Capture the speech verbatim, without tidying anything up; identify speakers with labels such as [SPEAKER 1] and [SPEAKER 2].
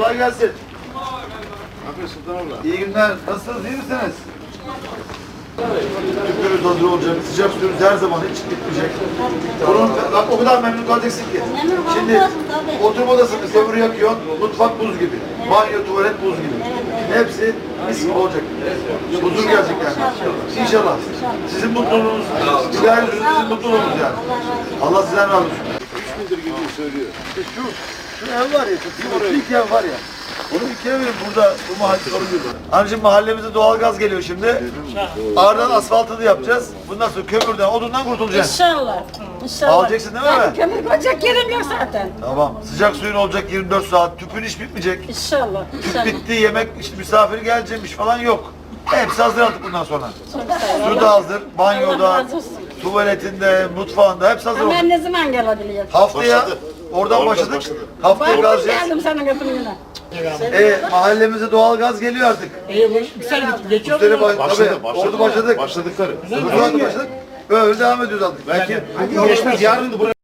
[SPEAKER 1] Kolay gelsin.
[SPEAKER 2] Ne yapıyorsun Sultanabla?
[SPEAKER 1] İyi günler. Nasılsınız? İyi misiniz? Tüpünüz hazır olacak. Sıcak suyunuz her zaman hiç bitmeyecek. Bunun, bak o kadar memnun kalacaksın ki. Şimdi oturma odasını kömür yakıyorsun. Mutfak buz gibi. Banyo, tuvalet buz gibi. Hepsi mis gibi olacak. Huzur gelecek yani. İnşallah. Sizin mutluluğunuz, güzel yüzünüz sizin mutluluğunuz yani. Allah sizden razı olsun.
[SPEAKER 2] Üç gündür gidiyor söylüyor.
[SPEAKER 1] İşte şu, şu ev var ya, şu ilk ev var ya. Onu ikiye verin burada, bu mahalle soruyorlar. Anneciğim mahallemize doğalgaz geliyor şimdi. Ardından asfaltını yapacağız. Bundan sonra kömürden, odundan kurtulacaksın.
[SPEAKER 3] İnşallah. İnşallah.
[SPEAKER 1] Alacaksın değil mi?
[SPEAKER 3] Yani kömür koyacak yerim yok zaten.
[SPEAKER 1] Tamam. Sıcak suyun olacak yirmi dört saat. Tüpün hiç bitmeyecek.
[SPEAKER 3] İnşallah.
[SPEAKER 1] Tüp
[SPEAKER 3] İnşallah.
[SPEAKER 1] bitti, yemek, işte misafir gelecekmiş falan yok. Hepsi hazır artık bundan sonra.
[SPEAKER 3] Çok sağ ol.
[SPEAKER 1] Su da hazır,
[SPEAKER 3] Allah
[SPEAKER 1] banyoda,
[SPEAKER 3] razı olsun.
[SPEAKER 1] tuvaletinde, mutfağında hepsi hazır
[SPEAKER 3] Ama
[SPEAKER 1] olacak.
[SPEAKER 3] ben ne zaman gelebiliyorum?
[SPEAKER 1] Haftaya
[SPEAKER 2] Başladı.
[SPEAKER 1] oradan
[SPEAKER 2] Oradan
[SPEAKER 1] başladık.
[SPEAKER 2] başladı.
[SPEAKER 1] Haftaya
[SPEAKER 3] Ben
[SPEAKER 1] gazlayacağız.
[SPEAKER 3] geldim senin kapına.
[SPEAKER 1] E, mahallemize doğalgaz geliyor artık.
[SPEAKER 4] İyi bu güzel gitti. Geçiyor
[SPEAKER 1] Bu sene
[SPEAKER 4] mu?
[SPEAKER 1] baş,
[SPEAKER 2] Başladı,
[SPEAKER 1] tabii,
[SPEAKER 2] başladı.
[SPEAKER 1] orada başladık.
[SPEAKER 2] Başladıkları.
[SPEAKER 1] Şu anda başladık. Böyle devam ediyoruz artık.
[SPEAKER 2] Belki geçmez yarın da buraya